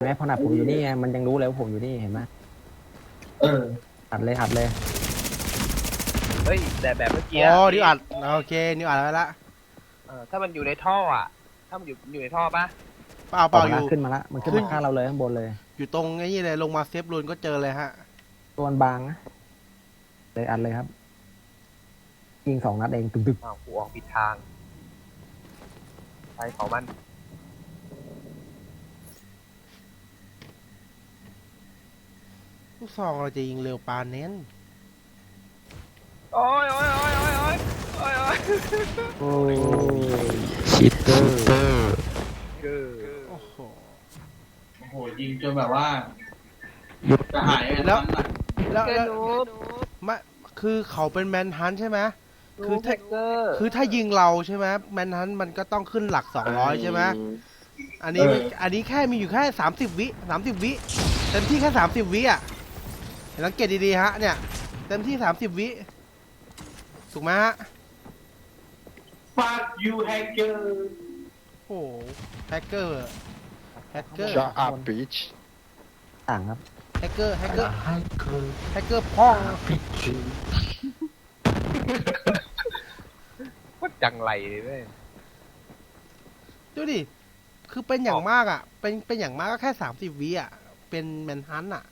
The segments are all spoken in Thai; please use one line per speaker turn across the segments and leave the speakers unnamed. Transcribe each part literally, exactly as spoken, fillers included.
แม้ขนาดผมอยู่นี่ไงมันยังรู้เลยว่าผมอยู่นี่เห็นไหม
เออ
อัดเลยอัดเลย
เฮ้ยแต่แบบเมื่อกี้
อ๋อนิวอัดโอเคนิวอัดไว้ละ
เออถ้ามันอยู่ในท่ออ่ะ ถ้ามันอยู่อยู่ในท่อปะ
เปล่าเปล่า
ออก
อ
มา
ยู่
ขึ้นมาละมันขึ้นมาข้างเราเลยข้างบนเลย
อยู่ตรงไอ้นี่เลยลงมาเซฟรูนก็เจอเลยฮะ
ตัวมันบางนะเลยอัดเลยครับยิงสองนัดเองตึกตึก
อ้าวกูออกผิดทางไปของมัน
ลูกซองเราจะยิงเร็วปานเน้น
โอ้ยโอ้ยโอ้ยโอ้ยโอ้ยโอ้ยโอ้ย
โอ้ย
ชิตเตอร์
เกอ
โอ้โห
โอ้โหยิงจนแบบว่าจะหายไป
แล้ว
ทั้งนั้น
แล้ว
เกอ
แล้ว
นูบ
มาคือเขาเป็นแมนฮันต์ใช่ไหม คือถ้า
เกอร์
คือถ้ายิงเราใช่ไหมแมนฮันต์มันก็ต้องขึ้นหลักสองร้อยใช่ไหมอันนี้อันนี้แค่มีอยู่แค่สามสิบวิสามสิบวิเต็มที่แค่สามสิบวิอ่ะสังเกตดีๆฮะเนี่ยเต็มที่สามสิบวิถูกไหมฮะ
ฟาดยูแฮกเกอร์
โอ้โหแฮกเกอร์แฮกเกอร์
จะอัพบิช
ต่างครับ
แฮกเกอร์แฮกเกอร์
ให้เคย
แฮกเกอร์พ่อง
บิช
ว่าจังไรเลยเว้ย
ดูดิคือเป็นอย่างมากอ่ะเป็นเป็นอย่างมากก็แค่สามสิบวิอ่ะเป็นแมนฮันต์อ่ะ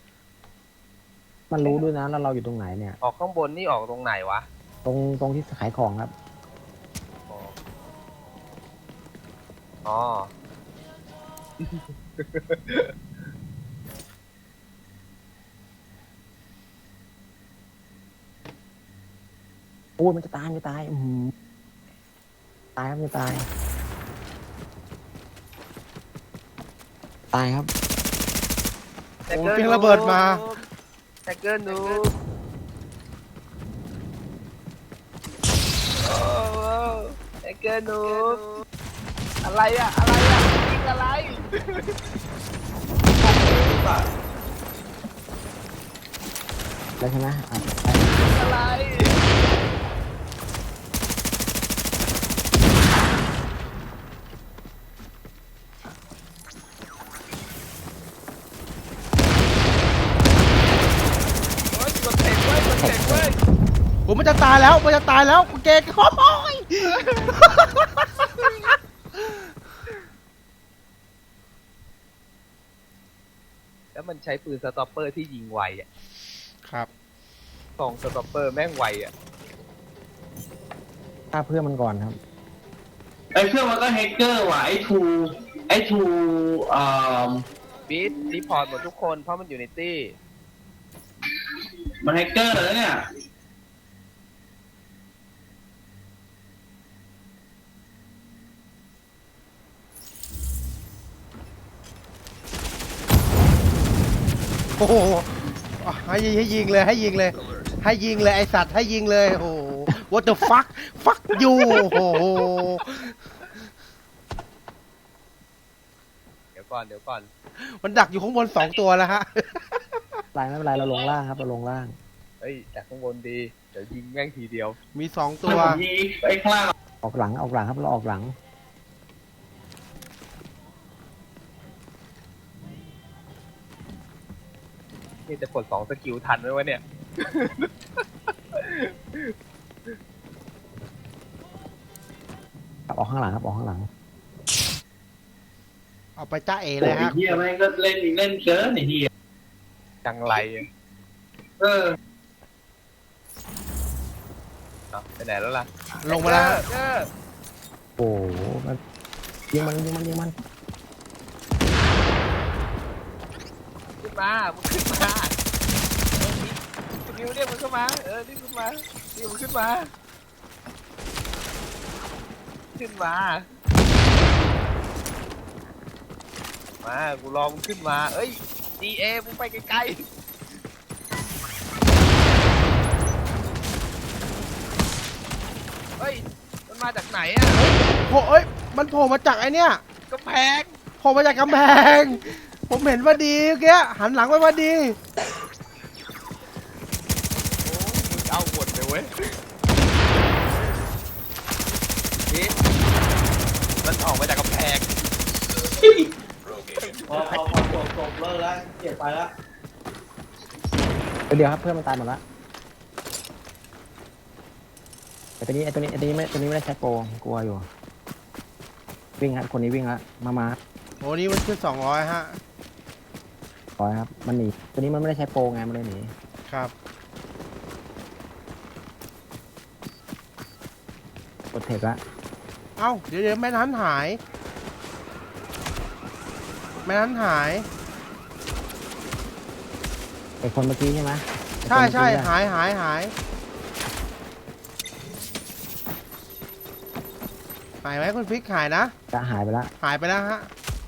มันรู้ด้วยนะแล้วเราอยู่ตรงไหนเนี่ย
ออกข้างบนนี่ออกตรงไหนวะ
ตรงตรงที่ขายของครับ
อ๋ออ๋อ
โอ้ยมันจะตายมันจะตายอือหือตายครับมันจะตาย ตายครับ
แฮ
โอ้
กเกอร์
เพียงระเบิดมา
แฮกเกอร์นูบโอ้โหแฮกเกอร์นูบอะไรอะอะไรอะยิงอะไร
แล้วใช่ไหมอ่ะ
อะไรโอ๊ยกดเตะเว้ยกดเตะเว้ย
ผมมันจะตายแล้วมันจะตายแล้วเกย์โอ้ย
แล้วมันใช้ปืนสต็อปเปอร์ที่ยิงไวอ่ะ
ครับ
สองสต็อปเปอร์แม่งไวอ่ะ
ฆ่าเพื่อนมันก่อนครับ
ไอ้เครื่องมันก็แฮกเกอร์ว่ะไอ้ทูไอ้ทูอ่า
บีทรีพอร์ตหมดทุกคนเพราะมันอยู่ในตี้
มันแฮกเกอร์แล้วเนี่ย
โอ้โหให้ยิงให้ยิงเลยให้ยิงเลย ให้ยิงเลยไอสัตว์ให้ยิงเลยโอ้โห what the fuck fuck you โอ้โห
เดี๋ยวก่อนเดี๋ยวก่อน
มันดักอยู่ข้างบนสองตัวแล้วฮะ
ไม่เป็นไรไม่เป็นไรเราลงล่างครับเราลงล่าง
เฮ้ยจากข้างบนดี เดี๋ยวยิงแม่งทีเดียว
มีสองตั
ตัว วผมยิงไอ้ข้างล่าง
ออกหลังออกหลังครับเราออกหลัง
นี่จะกดสองสกิลทันไหมวะเนี่ย
ครับออกข้างหลังครับออกข้างหลัง
เอาไปจ้าเอ
โอ้
เลย
ย
ฮะ
เฮียแม่งก็เล่นเล่นเกินไอ้เฮีย
จังไรอะ
เออ
เอาไปไหนแล้วล่ะ
ลงมาแล้วฮะ
เออ
โอ้โหมันยิงมันยิงมันยิงมัน
ขึ้นมามึงขึ้นมานิวเรียกมันเข้ามาเออนี่ขึ้นมานิวมันขึ้นมาขึ้นมามากูรอมึงขึ้นมาเอ้ย ดี เอ มึงไปไกลๆเฮ้ยมันมาจากไหนอ่ะ
โอ้ยมันโผล่มาจากไอเนี้ย
กำแพง
โผล่มาจากกำแพง ผมเห็นว่าดีเมื่อกี้หันหลังไปว่าดี
โอ้มึงเอาหมดเลยเว้ยนี่มันออกมาจากกำแพง
พอพอพอจบจบเลิกแล้วเก็บไปแล้ว
เดี๋ยวครับเพื่อนมันตายหมดละไอ้ตัวนี้ไอ้ตัวนี้ไอ้ตัวนี้ไม่ตัวนี้ไม่ได้ใช้โปรกลัวอยู่วิ่งครับคนนี้วิ่งละมามา
โอ้นี่มันขึ้นสองร้อยฮะ
ปล่อยครับมันหนีตัวนี้มันไม่ได้ใช้โปรไงมันเลยหนี
ครับ
กดเทคละ
เอ้าเดี๋ยวเดี๋ยวแม่นั้นหาย แม่นั้นหาย
ไอ้คนเมื่อกี้ใช่ไหม
ใช่ใช่
ไอ้คนเมื่อกี้อะ
หายหายหายหายไหมคุณฟิกหายนะ
จะหายไปละ
หายไปแล้วฮะ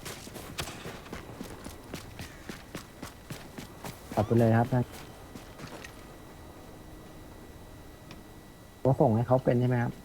ตัดไปเลยครับท่านก็ส่งให้เขาเป็นใช่ไหมครับ